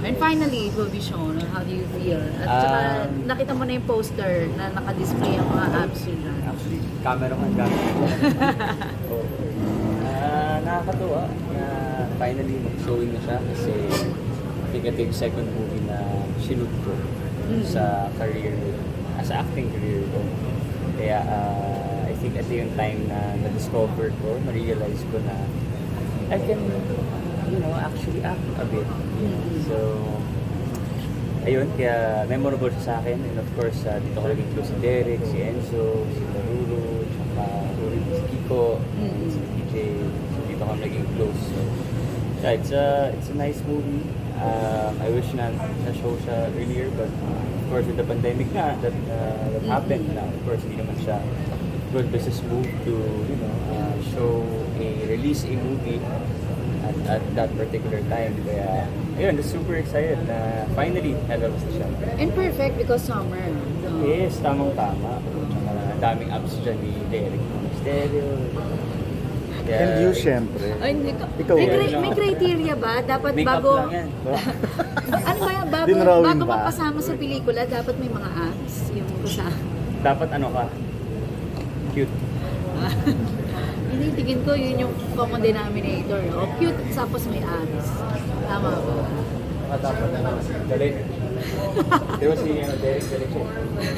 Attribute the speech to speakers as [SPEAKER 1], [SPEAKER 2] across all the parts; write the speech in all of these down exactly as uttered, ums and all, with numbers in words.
[SPEAKER 1] And finally, it will be shown. How do you feel? At saka,
[SPEAKER 2] Um,
[SPEAKER 1] nakita mo na yung poster na naka-display ang mga apps nila.
[SPEAKER 2] Actually, camera ko ang gamit ko. Oo. Ah, nakakatuwa na finally mag-showing na siya kasi I think ito yung second movie na shoot ko sa career, as a acting career ko. Kaya ah, I think ito yung time na na-discover ko, na-realize ko na I can, you know, actually act a bit. So, ayun, kaya memorable siya sa akin. And of course, uh, dito ko naging close si Derek, si Enzo, si Laruro, tsaka si Kiko, si P J. So, dito ko naging close. So, yeah, it's a, it's a nice movie. Um, I wish na na-show siya earlier, but uh, of course, with the pandemic na, that, uh, that happened na, of course, hindi naman siya good business move to, you know, uh, show a, release a movie at, at that particular time. Kaya, ayun, super excited na finally nalabas na siya.
[SPEAKER 1] And perfect because summer. No?
[SPEAKER 2] Yes, tamang-tama. Tsaka ang daming apps dyan ni Derek Stereo. Kaya,
[SPEAKER 3] And you, syempre.
[SPEAKER 1] Ay, hindi ko.
[SPEAKER 3] Ikaw
[SPEAKER 1] may,
[SPEAKER 3] ba?
[SPEAKER 1] cri- may criteria ba? Dapat
[SPEAKER 2] Make up
[SPEAKER 1] bago...
[SPEAKER 2] lang yan.
[SPEAKER 1] ano ba yan? Bago,
[SPEAKER 3] Dinrawing
[SPEAKER 1] bago
[SPEAKER 3] ba?
[SPEAKER 1] magpasama sa pelikula, dapat may mga apps yung kasama.
[SPEAKER 2] Dapat ano ka? Cute.
[SPEAKER 1] Hindi, tingin ko yun yung common denominator. O, cute, tapos may apps. Tama ba?
[SPEAKER 2] Dapat ano? Galing. Di ba si ano, Derek, Derek siya?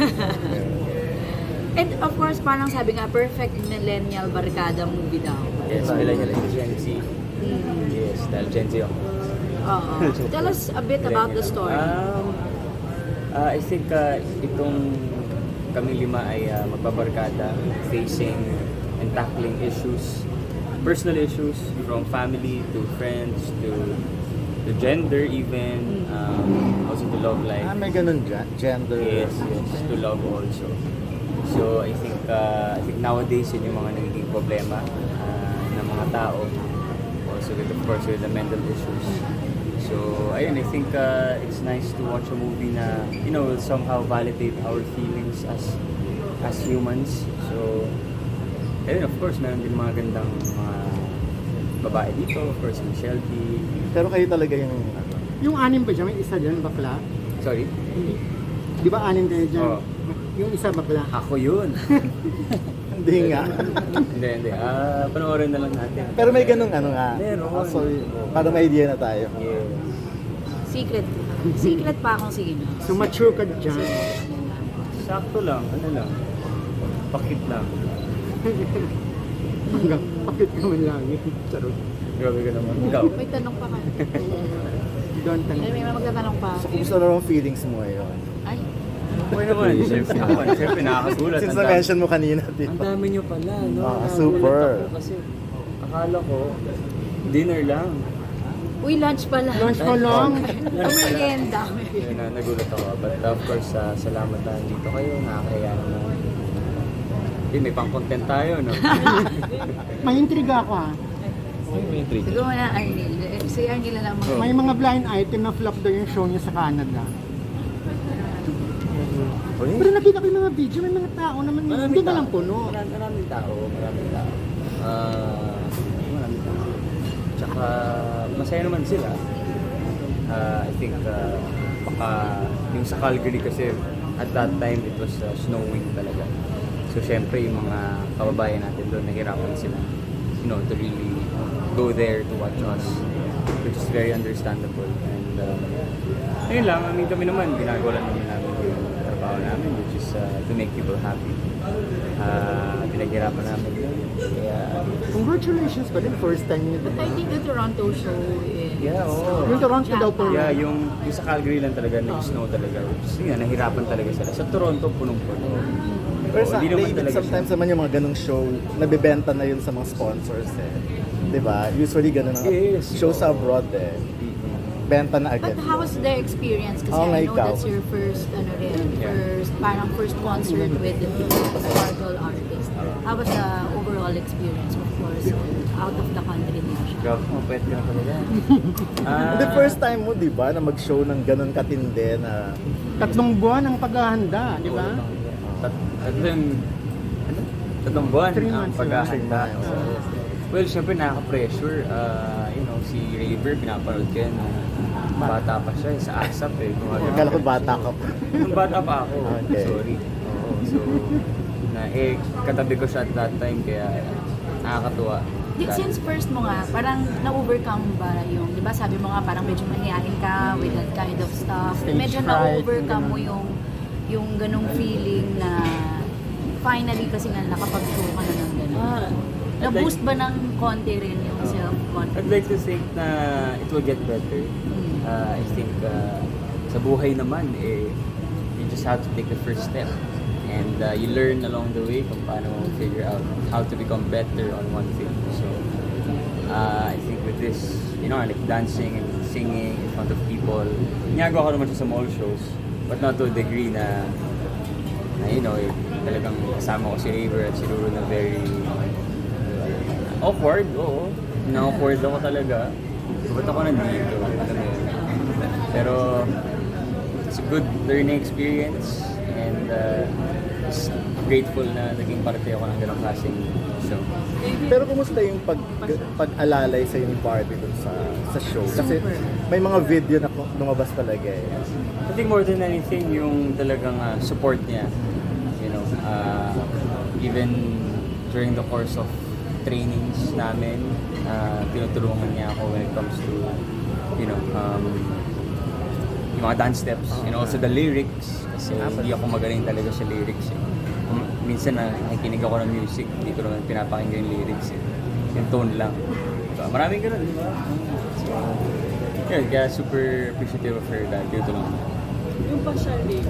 [SPEAKER 1] And of course, parang sabi nga, perfect millennial barkada movie daw.
[SPEAKER 2] Yes, Millennial and Gen Z.
[SPEAKER 1] Mm.
[SPEAKER 2] Yes, dahil Gen Z ako.
[SPEAKER 1] Oo. Tell us a bit about the story.
[SPEAKER 2] Um, uh, I think uh, itong kami lima ay uh, magbabarkada facing and tackling issues, personal issues from family to friends to to gender even, um, also to love life.
[SPEAKER 3] Ah, may ganun dyan. Gender.
[SPEAKER 2] Yes, yes, to love also. So I think uh, I think nowadays yun yung mga nagiging problema uh, ng mga tao. Also with, of course, with the mental issues. So ayun, I think uh, it's nice to watch a movie na, you know, will somehow validate our feelings as as humans. So ayun, of course, meron din mga gandang mga babae dito. Of course, si Shelby.
[SPEAKER 3] Pero kayo talaga yung... ano,
[SPEAKER 4] Yung anim ba dyan? May isa dyan, bakla?
[SPEAKER 2] Sorry?
[SPEAKER 4] Di ba anim kayo dyan?
[SPEAKER 2] Oo.
[SPEAKER 4] Yung isa bakla.
[SPEAKER 2] Ako yun.
[SPEAKER 3] Hindi nga.
[SPEAKER 2] Hindi, hindi. Ah, panoorin na lang natin.
[SPEAKER 3] Pero may ganung ano nga.
[SPEAKER 2] Meron.
[SPEAKER 3] Ah, sorry. Para may idea na tayo.
[SPEAKER 2] Yes.
[SPEAKER 1] Secret. Secret pa akong sige na.
[SPEAKER 4] So mature ka dyan.
[SPEAKER 2] Sakto lang, ano lang. Pakit lang.
[SPEAKER 4] Hanggang pakit ka man lagi. Charot.
[SPEAKER 2] Grabe ka naman. Ikaw?
[SPEAKER 1] May tanong pa ka.
[SPEAKER 4] Don't tanong.
[SPEAKER 1] Ay, may mga magtatanong pa.
[SPEAKER 3] So, kumusta na ang feelings mo ngayon?
[SPEAKER 1] Ay,
[SPEAKER 2] Okay naman. Siyempre naman. Siyempre nakakagulat.
[SPEAKER 3] Since
[SPEAKER 2] Ang dami-
[SPEAKER 3] na-mention mo kanina, di
[SPEAKER 2] Ang
[SPEAKER 3] ba?
[SPEAKER 2] dami nyo pala, no?
[SPEAKER 3] Ah,
[SPEAKER 2] Nagulat
[SPEAKER 3] super.
[SPEAKER 2] ako kasi akala ko, dinner lang.
[SPEAKER 1] uy, lunch pala.
[SPEAKER 4] Lunch pa lang.
[SPEAKER 1] Ang merienda.
[SPEAKER 2] Yun na, nagulat ako. But of course, uh, salamat na dito kayo. Nakakaya naman. Eh, may pang-content tayo, no?
[SPEAKER 4] May intriga ako ha.
[SPEAKER 2] May intrigue.
[SPEAKER 1] Siguro na, Arnil. Eh, Si Arnil na lang mo.
[SPEAKER 4] May mga blind item na flop daw yung show niya sa Canada. Pero nakita ko yung mga video, may mga tao naman. Hindi na lang puno.
[SPEAKER 2] Marami, maraming tao, maraming tao. Ah, maraming tao. Tsaka, masaya naman sila. Ah, I think, uh, baka, yung sa Calgary kasi, at that time, it was uh, snowing talaga. So, syempre, yung mga kababayan natin doon, nahirapan sila, you know, to really go there to watch us, which is very understandable. And, uh, ayun lang, I mean, kami naman, ginagawa lang namin namin yung trabaho namin, which is uh, to make people happy. Uh, pinaghirapan namin yun. Kaya,
[SPEAKER 4] Congratulations pa din, first time niyo.
[SPEAKER 1] But I think the Toronto show is...
[SPEAKER 2] yeah, oo.
[SPEAKER 4] Yung Toronto daw po.
[SPEAKER 2] Yeah, yung, yung sa Calgary lang talaga, nag-snow talaga. Which is, yun, nahirapan talaga sila. Sa Toronto, punong-puno.
[SPEAKER 3] Pero
[SPEAKER 2] Oo,
[SPEAKER 3] sa,
[SPEAKER 2] hindi naman
[SPEAKER 3] they-
[SPEAKER 2] talaga
[SPEAKER 3] sometimes naman yung mga ganung show, nabibenta na yun sa mga sponsors eh. Di ba? Usually ganun ang
[SPEAKER 2] Yes.
[SPEAKER 3] show sa abroad eh. Benta na agad.
[SPEAKER 1] But how was the experience? Kasi
[SPEAKER 3] Oo nga,
[SPEAKER 1] I know
[SPEAKER 3] ikaw.
[SPEAKER 1] that's your first, ano rin,
[SPEAKER 2] Yeah.
[SPEAKER 1] first, parang first concert with the Sparkle artist. How was the overall experience? Of course, out of the country din siya.
[SPEAKER 2] Grabe, mapwet ka na talaga. Ah,
[SPEAKER 3] The first time mo, di ba, na mag-show ng ganun katindi na...
[SPEAKER 4] Tatlong buwan ang paghahanda, di ba?
[SPEAKER 2] Tat tatlong, ano? Tatlong buwan
[SPEAKER 4] Three
[SPEAKER 2] ang
[SPEAKER 4] months,
[SPEAKER 2] paghahanda.
[SPEAKER 3] three months.
[SPEAKER 2] Well, syempre nakaka-pressure. Uh, you know, si Raver, pinapanood ko yan. Uh, bata pa siya, sa ASAP eh. Gumagano
[SPEAKER 3] Akala ko
[SPEAKER 2] siya.
[SPEAKER 3] bata ka pa.
[SPEAKER 2] Nung bata pa ako.
[SPEAKER 3] Okay.
[SPEAKER 2] Sorry. Oo, so, na eh, katabi ko siya at that time, kaya nakakatuwa.
[SPEAKER 1] Di, since first mo nga, parang na-overcome ba yung, di ba sabi mo nga parang medyo mahihain ka with that kind of stuff.
[SPEAKER 4] Stage
[SPEAKER 1] Medyo
[SPEAKER 4] fright,
[SPEAKER 1] na-overcome
[SPEAKER 4] yung
[SPEAKER 1] mo yung yung ganong feeling na finally kasi nga nakapag-show ka na ng gano'n.
[SPEAKER 2] Ah,
[SPEAKER 1] Na-boost ba ng konti rin yung
[SPEAKER 2] I'd
[SPEAKER 1] self-confidence?
[SPEAKER 2] like to think na it will get better.
[SPEAKER 1] Mm.
[SPEAKER 2] Uh, I think uh, sa buhay naman, eh, you just have to take the first step. And uh, you learn along the way kung paano figure out how to become better on one thing. So, uh, I think with this, you know, like dancing and singing in front of people, ginagawa ko naman siya sa mall shows, but not to a degree na, na you know, eh, talagang kasama ko si Raver at si Ruru na very awkward, oo. Na-awkward ako talaga. Ba't ako nandito? Alam mo yun. Pero, it's a good learning experience and uh, just grateful na naging parte ako ng ganong klaseng show.
[SPEAKER 3] Pero kumusta yung pag, pag-alalay sa ni Barbie dun sa, sa show? Kasi
[SPEAKER 1] Super.
[SPEAKER 3] may mga video na ku- lumabas talaga eh.
[SPEAKER 2] I think more than anything, yung talagang uh, support niya. You know, uh, even during the course of trainings namin, uh, tinutulungan niya ako when it comes to, you know, um, yung mga dance steps and also the lyrics. Kasi hindi ako magaling talaga sa lyrics eh. Kung minsan na nakikinig ako ng music, hindi ko naman pinapakinggan yung lyrics eh. Yung tone lang. So, maraming ganun, di ba? So, yun, kaya super appreciative of her dahil tinutulungan niya.
[SPEAKER 5] Yung partial baby.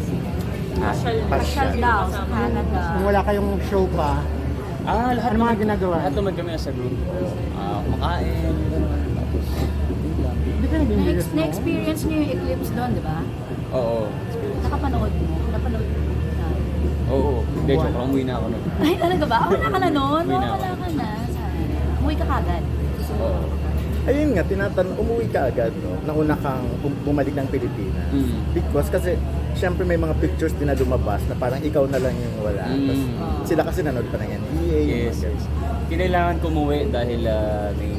[SPEAKER 2] Ah,
[SPEAKER 1] Pasyal daw sa Canada.
[SPEAKER 4] Kung wala kayong show pa,
[SPEAKER 2] Ah, lahat
[SPEAKER 4] Ano mga
[SPEAKER 2] naman-
[SPEAKER 4] ginagawa?
[SPEAKER 2] Lahat naman kami nasa group. Ah, kumakain, tapos yun lang.
[SPEAKER 4] hindi ka nag-enjoy
[SPEAKER 1] Na- Na-experience niyo yung eclipse doon, di ba?
[SPEAKER 2] Oo, experience.
[SPEAKER 1] Nakapanood mo? Napanood mo? na?
[SPEAKER 2] Oo, hindi, joke lang, umuwi na ako nun.
[SPEAKER 1] Ay, talaga ba? Ah, wala ka na noon?
[SPEAKER 2] Umuwi na
[SPEAKER 1] No,
[SPEAKER 2] ako.
[SPEAKER 1] wala ka na. Sana. Umuwi ka kagad.
[SPEAKER 2] Oo.
[SPEAKER 3] Ayun nga, tinatanong, umuwi ka agad, no? Nauna kang bum- bumalik ng Pilipinas.
[SPEAKER 2] Mm.
[SPEAKER 3] Because kasi, syempre may mga pictures din na lumabas na parang ikaw na lang yung wala.
[SPEAKER 2] Mm.
[SPEAKER 3] Tapos, sila kasi nanood pa ng N B A. yung
[SPEAKER 2] Yes,
[SPEAKER 3] mga
[SPEAKER 2] yes. Kinailangan ko umuwi dahil ah, may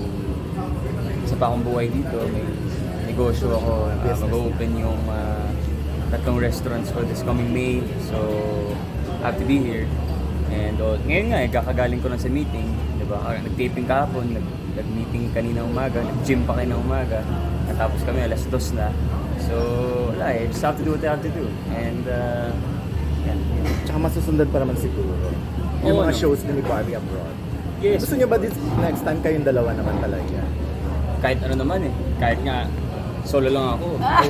[SPEAKER 2] isa pa akong buhay dito. May negosyo ako. Uh,
[SPEAKER 3] Business.
[SPEAKER 2] mag-open yung ah, tatlong restaurants ko this coming May. So, I have to be here. And uh, ngayon nga, eh, kakagaling ko lang sa meeting. Diba? Or, nag-taping kahapon, nag- nag-meeting kanina umaga, nag-gym pa kanina umaga. Natapos kami, alas dos na. So, wala eh. Just have to do what I have to do. And, uh, yan.
[SPEAKER 3] Tsaka masusundan pa naman siguro. Yung
[SPEAKER 2] Oo,
[SPEAKER 3] mga
[SPEAKER 2] no.
[SPEAKER 3] shows ni Barbie abroad.
[SPEAKER 2] Yes.
[SPEAKER 3] Gusto niyo ba this next time kayong dalawa naman talaga?
[SPEAKER 2] Kahit ano naman eh. Kahit nga, solo lang ako.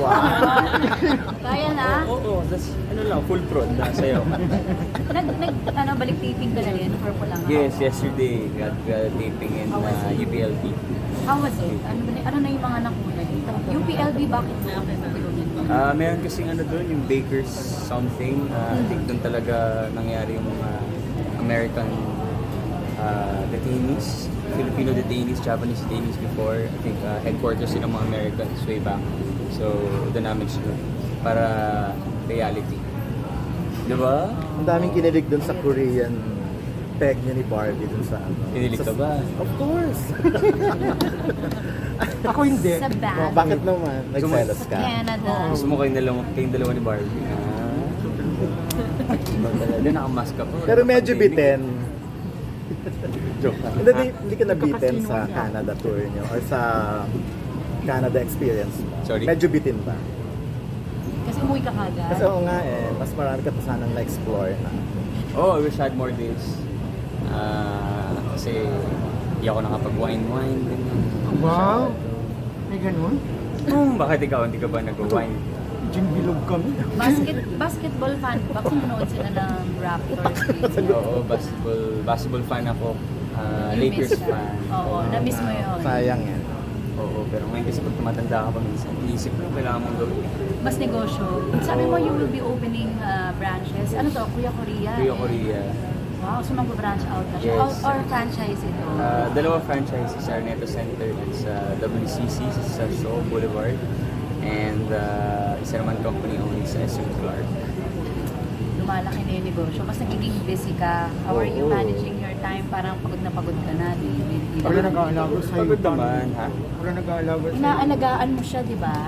[SPEAKER 1] Kaya na?
[SPEAKER 2] Oo, oo, that's ano lang, full prod na sayo.
[SPEAKER 1] Nag, nag, ano, balik taping ka na rin? Or po lang?
[SPEAKER 2] Yes, yesterday, got, got taping in uh, U P L P.
[SPEAKER 1] How was it? Ano, ba- ano na yung mga nakuha dito? U P L B, bakit na ako
[SPEAKER 2] Ah, meron kasing ano doon, yung Baker's something. Uh, I think doon talaga nangyari yung mga American uh, detainees, Filipino detainees, Japanese detainees before. I think uh, headquarters sila ng mga Americans way back. So, doon namin siya para reality. Diba?
[SPEAKER 3] Ang daming kinilig dun sa Korean peg niya ni Barbie dun sa ano.
[SPEAKER 2] Kinilig
[SPEAKER 3] sa-
[SPEAKER 2] ka ba?
[SPEAKER 3] Of course.
[SPEAKER 4] Ako hindi.
[SPEAKER 1] Sa
[SPEAKER 3] Oh,
[SPEAKER 1] band?
[SPEAKER 3] bakit naman? Nagselos
[SPEAKER 1] Sa
[SPEAKER 3] ka.
[SPEAKER 1] Canada.
[SPEAKER 2] Gusto mo kayong dalawa, kayong dalawa ni Barbie? Ah. Doon nakamask ka po.
[SPEAKER 3] Pero medyo bitin.
[SPEAKER 2] Joke lang.
[SPEAKER 3] Hindi, di, hindi ka nabitin sa Canada tour niyo or sa Canada experience mo.
[SPEAKER 2] Sorry?
[SPEAKER 3] Medyo bitin ba?
[SPEAKER 1] Kasi umuwi ka kagad.
[SPEAKER 3] Kasi oo nga eh, mas marami ka pa sanang na-explore na.
[SPEAKER 2] Oh, I wish I had more days. Ah, kasi hindi ako nakapag-wine-wine. ganyan.
[SPEAKER 4] Wow. May ganun?
[SPEAKER 2] Hmm, bakit ikaw hindi ka ba nag-wine?
[SPEAKER 4] Gin bilog kami.
[SPEAKER 1] Basket, basketball fan ba? Kung nanood sila ng Raptors.
[SPEAKER 2] Oo, basketball, basketball fan ako. Ah,
[SPEAKER 1] You
[SPEAKER 2] Lakers
[SPEAKER 1] miss that.
[SPEAKER 2] fan.
[SPEAKER 1] Oo, na-miss mo yun.
[SPEAKER 3] Sayang yan.
[SPEAKER 2] Oo, pero ngayon kasi pag tumatanda ka pa minsan, iisip mo kailangan mong gawin.
[SPEAKER 1] Mas negosyo. Sabi mo you will be opening uh, branches. Ano to? Kuya Korea?
[SPEAKER 2] Kuya Korea.
[SPEAKER 1] Wow, so mag-branch out na siya.
[SPEAKER 2] Yes.
[SPEAKER 1] Or, or franchise ito.
[SPEAKER 2] Ah, dalawa franchises, Araneta Center at sa W C C sa Shaw Boulevard. And uh, isa naman company only sa S M Clark.
[SPEAKER 1] Lumalaki na yung negosyo. Mas nagiging busy ka. How are you
[SPEAKER 2] Oo.
[SPEAKER 1] managing your time parang pagod na pagod ka na, di, di, di
[SPEAKER 4] Wala
[SPEAKER 1] naman-
[SPEAKER 4] nag-aalaga sa'yo.
[SPEAKER 2] Pagod naman, ha?
[SPEAKER 4] Wala nag-aalaga sa'yo.
[SPEAKER 1] Inaalagaan mo siya, di ba?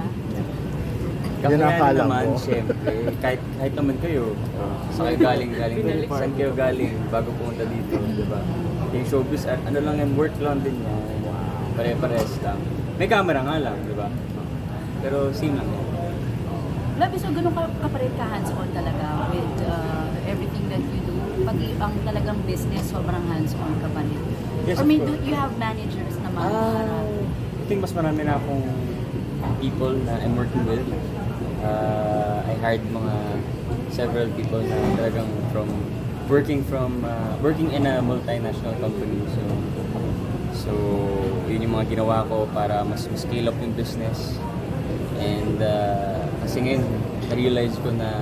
[SPEAKER 3] Yan ang
[SPEAKER 2] Kakayanin
[SPEAKER 3] akala
[SPEAKER 2] naman,
[SPEAKER 3] mo.
[SPEAKER 2] siyempre. Kahit, kahit naman kayo, saan kayo galing, galing, saan kayo galing bago pumunta dito, di ba? Yung showbiz, ah, ano lang yan, work lang din yan. Pare-pares lang. May camera nga lang, di ba? Pero same lang yan.
[SPEAKER 1] Labi, so ganun ka, ka pa rin ka hands-on talaga with uh, everything that you do. Pag i- ang talagang business, sobrang hands-on ka pa rin.
[SPEAKER 2] Yes,
[SPEAKER 1] Or
[SPEAKER 2] of
[SPEAKER 1] may do
[SPEAKER 2] course.
[SPEAKER 1] you have managers naman?
[SPEAKER 2] Ah, I think mas marami na akong people na I'm working with. Uh, I hired mga several people na talagang from working from uh, working in a multinational company. So so yun yung mga ginawa ko para mas mas scale up yung business. And uh, kasi ngayon na-realize ko na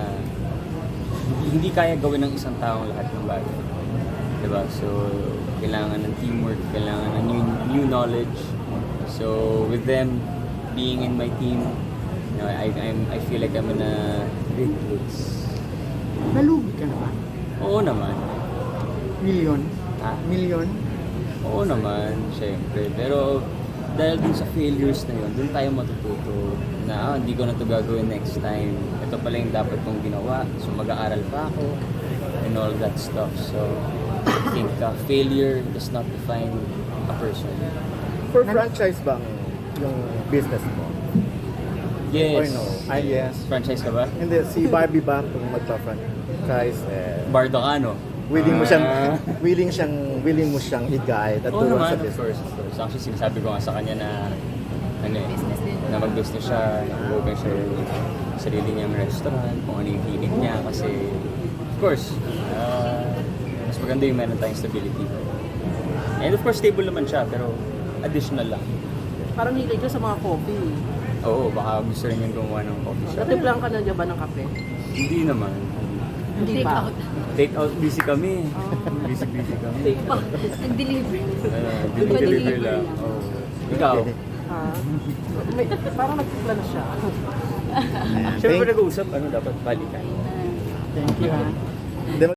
[SPEAKER 2] hindi kaya gawin ng isang taong lahat ng bagay. Diba? So, kailangan ng teamwork, kailangan ng new, new knowledge. So, with them being in my team, you know, I, I'm, I feel like I'm in a great place.
[SPEAKER 4] Nalugi ka na ba?
[SPEAKER 2] Oo naman.
[SPEAKER 4] Million?
[SPEAKER 2] Ha?
[SPEAKER 4] Million?
[SPEAKER 2] Oo naman, syempre. Pero, dahil dun sa failures na yun, dun tayo matututo na ah, hindi ko na ito gagawin next time. Ito pala yung dapat kong ginawa. So, mag-aaral pa ako and all that stuff. So, I think uh, failure does not define a person.
[SPEAKER 3] For franchise bang yung business mo?
[SPEAKER 2] Yes.
[SPEAKER 3] Or no? Ay, yes.
[SPEAKER 2] Franchise ka ba?
[SPEAKER 3] Hindi, si Barbie ba kung magpa-franchise, eh,
[SPEAKER 2] Bardo ka, no?
[SPEAKER 3] willing mo siyang,
[SPEAKER 2] Ah.
[SPEAKER 3] willing siyang, willing mo siyang i-guide at
[SPEAKER 2] Oo
[SPEAKER 3] tulong
[SPEAKER 2] naman,
[SPEAKER 3] sa
[SPEAKER 2] of
[SPEAKER 3] business.
[SPEAKER 2] course, of course. Actually, sinasabi ko nga sa kanya na ano eh,
[SPEAKER 1] Business din.
[SPEAKER 2] na mag-business siya, nag-open siya yung sarili niyang restaurant, kung ano yung hilig niya kasi of course, uh, mas maganda yung meron tayong stability. And of course, stable naman siya, pero additional lang.
[SPEAKER 5] Parang hilig ka sa mga coffee.
[SPEAKER 2] Oo, baka gusto rin yung gumawa ng coffee shop.
[SPEAKER 5] Natimplang ka na dyan ba ng kape?
[SPEAKER 2] Hindi naman.
[SPEAKER 5] Hindi
[SPEAKER 1] Take
[SPEAKER 5] pa.
[SPEAKER 1] out.
[SPEAKER 2] Take out, busy kami. Busy-busy kami.
[SPEAKER 1] Nag-deliver.
[SPEAKER 2] Uh,
[SPEAKER 1] Pa-deliver
[SPEAKER 2] deliver lang.
[SPEAKER 1] lang.
[SPEAKER 2] Oh. Ikaw?
[SPEAKER 5] Ha? May, parang nagpipla na siya.
[SPEAKER 3] Ayan,
[SPEAKER 2] Siyempre
[SPEAKER 3] thank-
[SPEAKER 2] nag-uusap, ano dapat balikan.
[SPEAKER 4] Thank you ha.
[SPEAKER 3] Hindi,